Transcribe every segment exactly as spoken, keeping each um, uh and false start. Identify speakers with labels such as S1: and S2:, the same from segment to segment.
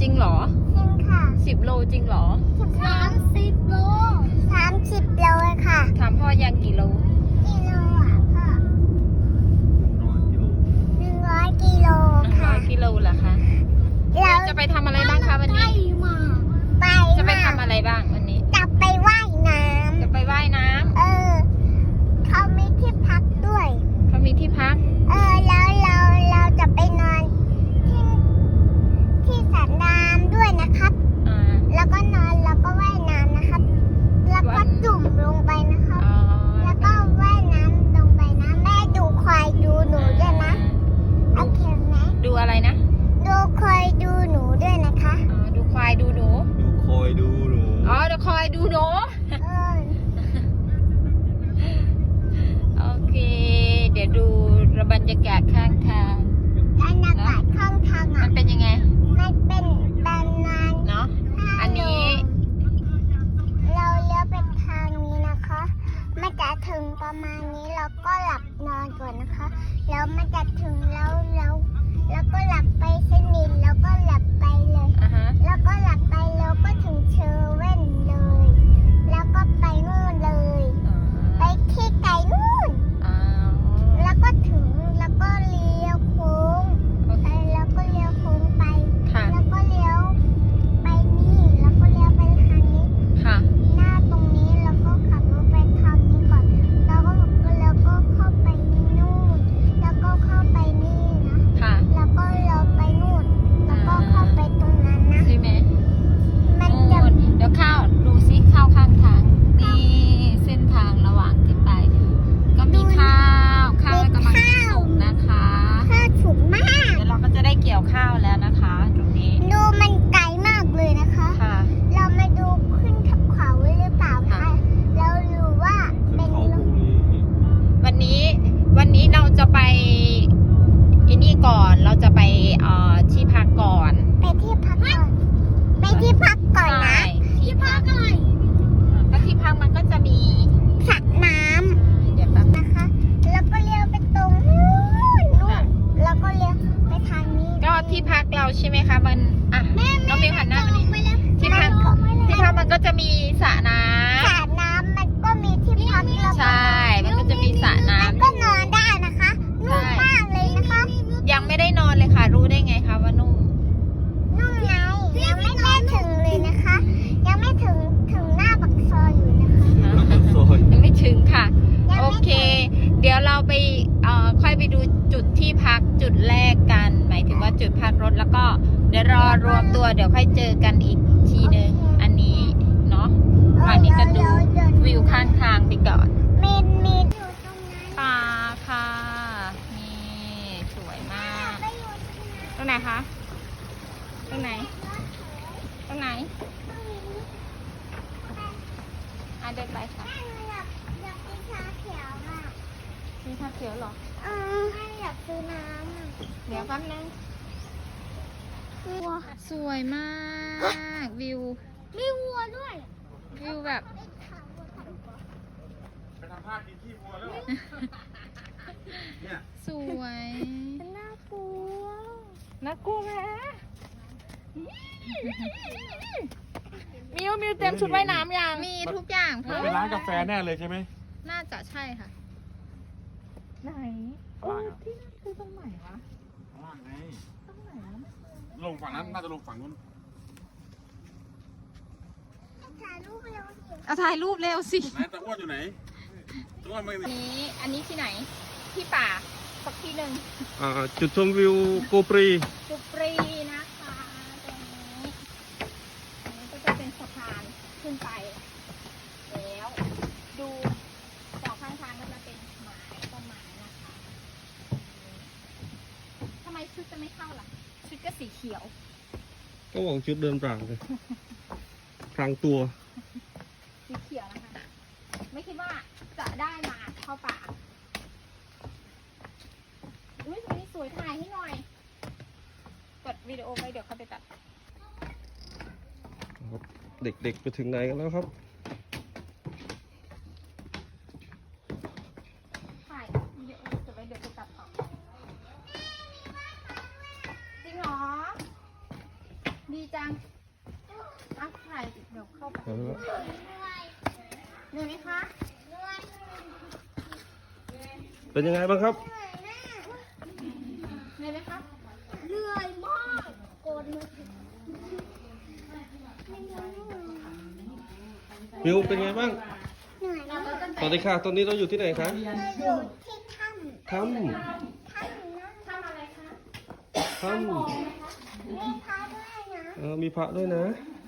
S1: ริงเหรอ
S2: จริงค่ะ
S1: สิบโลจริงเหรอ
S2: สามสิบโลสามสิบโลเลยค่ะ
S1: ถามพ่อยังกี่โล
S2: กิโลอ่ะพ่อหนึ่งร้อยกิโลค่ะ
S1: หนึ่งร้อยกิโลเหรอคะเราจะไปทำอะไรบ้างคะวันนี้
S2: ไป
S1: จะไปทำอะไรบ้างวันนี้
S2: จะไปว่ายน้ำ
S1: จะไปว่ายน้ำ
S2: เออเขามีที่พักด้วย
S1: เขามีที่พัก
S2: เออแล้วเราเราจะไปนอนที่ที่สระน้ำด้วยนะครับ
S1: อ่า
S2: แล้วก็นอนแล้วก็ว่ายน้ำนะครับแล้วก็จุ่มลงไปนะครับแล้วก็ว่ายน้ำลงไปนะแม่ดูควายดูหนูด้วยนะโอเคไหม
S1: ดูอะไรนะ
S2: ดูควายดูหนูด้วยนะคะ
S1: อ๋อดูควายดูหนู
S3: ดูคอยดูหนู
S1: อ๋อดูคอยดูหนู
S2: เออ
S1: โอเคเดี๋ยวดูบรรยากาศข้างทาง
S2: บรรยากาศข้างทางอ่ะ
S1: มันเป็นยังไง
S2: มันเป็นประมาณ
S1: เนาะอันนี้
S2: เราเลี้ยวไปทางนี้นะคะมันจะถึงประมาณนี้เราก็หลับนอนก่อนนะคะแล้วมันจะถึงแล้วแล้วแล้วก็หลับไปสนิทแล้วก็หลับไปเลย
S1: อ่าฮะ
S2: แล้วก็หลับไปแล้วก็ถึงเชอร์เว่นเลยแล้วก็ไปนู่นเลยไปที่ไกลนู่นแล้วก็ถึงแล้วก็เลี้ยวโค้งไปแล้วก็เลี้ยวโค้งไปแล้วก็เลี้ยวไปนี่แล้วก็เลี้ยวไปทางนี้
S1: ค่ะ
S2: หน้าตรงนี้แล้วก็ขับรถไปทางนี้ก่อนแล้วก็แล้วก็เข้าไปนู่นแล้วก็เข้าไปนี่นะ
S1: ค่ะ
S2: แล้วก็เลี้ยวไปนู่นแล้วก็เข้าไปตรงนั้นนะ
S1: ใช่ไหม
S2: มันจะ
S1: เดี๋ยวข้าวดูซิข้าวข้างทางนี่เส้นทางระหว่างที่ไปก็มีข้าวข้าวกำลังสุกนะคะ
S2: ข้าวสุกมาก
S1: เดี๋ยวเราก็จะได้เกี่ยวข้าวแล้วนะคะตรงนี้
S2: ดูมันไกลมากเลยนะคะ
S1: ค่ะ
S2: เรามาดูขึ้นทับเขาไว้หรือเปล่าคะเราดูว่าเป็น
S1: วันนี้วันนี้เราจะไปไอ้นี่ก่อนเราจะไปเอ่อที่พักก่อน
S2: ไปที่พักก่อนไปที่พักก่อนนะที่พักก่อน
S1: ก็ที่พักมันก็จะมี
S2: สระน้
S1: ำเดี๋ยวแป๊บ
S2: นะคะแล้วก็เลี้ยวไปตรงนู้นนู่นแล้วก็เลี้ยวไปทางนี้
S1: ก็ที่พักเราใช่ไหมคะมันอ่ะน้องมิวหันหน้ามานี่ที่พักที่พักมันก็จะมีสระน้ำ
S2: สระน้ำมันก็มีที่พัก
S1: ใช่มันก็จะมีสระน้ำ
S2: ก็นอนได้นะคะนุ่มมากเลยนะคะ
S1: ยังไม่ได้นอนเลยค่ะรู้ได้ไงคะว่านุ่ม
S2: นุ่มไงยังไม่ได้ถึงเลยนะคะยังไม่ถึงถึงหน้าปักซอยอยู่นะคะ
S1: ยังไม่ถึงค่ะโอเคเดี๋ยวเราไปเอ่อค่อยไปดูจุดที่พักจุดแรกกันหมายถึงว่าจุดพักรถแล้วก็เดี๋ยวรอรวมตัวเดี๋ยวค่อยเจอกันอีกทีนึงอันนี้เนาะวันนี้ก็ดูวิวข้างทางไปก่อน
S2: มีมีอยู่ตรงนั้น
S1: ป่าค่ะนี่สวยมากตรงไหนคะตรงไหนตรงไหนอ่ะเดินไปค่ะ
S2: อยากกินชาเขียวอ่ะ
S1: มีชาเขียวเหรอ
S2: เอออยากซื้อน้ำอ่ะ
S1: เดี๋ยวแป๊บนึงสวยมากวิว
S2: มีวัวด้วย
S1: วิวแบบ
S3: ไปทำภาพกินขี้วัวแล้วเนี่ย
S1: สวย
S2: น่ากลัว
S1: น่ากลัวไหมมิวมิวเต็มชุดว่ายน้ำยังมีทุกอย่างค่ะ
S3: เป็นร้านกาแฟแน่เลยใช่ไหม
S1: น่าจะใช่ค่ะไหนโอ้ที่นั่นคือตรงไหนวะ
S3: ล่างไง
S1: ตรงไหน
S3: ลงฝั่งนั้นน่าจะลงฝั่งนู้น
S2: ถ่ายรูปเร็วสิ
S1: เอาถ่ายรูปเร็วสิ
S3: ไหนตะอ้วนอยู่ไหนตะอ้วนไม่มี
S1: นี้อันนี้ที่ไหนที่ป่าสักที่หนึ่ง
S3: อ่าจุดชมวิวโกปรี
S1: โกปรีนะคะตรงนี้อันนี้ก็จะเป็นสะพานขึ้นไปแล้วดูสองข้างทางก็จะเป็นไม้ต้นไม้นะคะทำไมชุดจะไม่เข้าล่ะชุดก็สีเขียว
S3: ก็บอกชุดเดินปรางเลยพรางตัว
S1: สีเขียวนะคะไม่คิดว่าจะได้มาเข้าป่าอุ้ยตรงนี้สวยถ่ายให้หน่อยกดวิดีโอไปเดี๋ยวเขาไปตัด
S3: เด็กๆไปถึงไหนกันแล้วครับ
S1: ถ่ายวิดีโอเสร็จไว้เดี๋ยวไปตัดต่อจริงเหรอดีจังยังอัพถ่ายเดี๋ยวเข้าไป
S3: เอาละ
S1: เหนื่อยไหมคะ
S3: เป็นยังไงบ้างครับ
S1: เหนื่อยไหมคะ
S2: เหนื่อยมากโกนมือ
S3: มิวเป็นไงบ้าง
S2: เหนื่อยมาก
S3: สวัสดีค่ะ ตอนนี้เราอยู่ที่ไหนคะ
S2: เราอยู่ที่ถ้ำ
S3: ถ้
S2: ถ้ำนะ
S1: ทำอะไรคะ
S3: ำถ้
S2: มีพระด้วยนะ
S3: ำเออมีพระด้วยนะ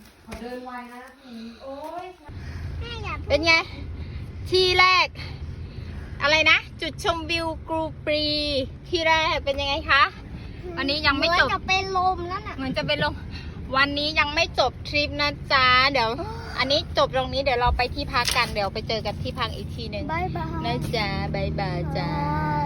S2: แม่อย่า
S1: เป็นไง ที่แรก อะไรนะ จุดชมวิวกรูปรีที่แรกเป็นยังไงคะ วันนี้ยังไม่จบ
S2: เหอนจะเป็นลมแล้วน่ะ
S1: เหมือนจะเป็นลงวันนี้ยังไม่จบทริปนะจ๊ะ เดี๋ยว อันนี้จบตรงนี้เดี๋ยวเราไปที่พักกัน เดี๋ยวไปเจอกันที่พักอีกทีหนึ่ง
S2: บายบาย
S1: นะจ๊ะบายบายจ้า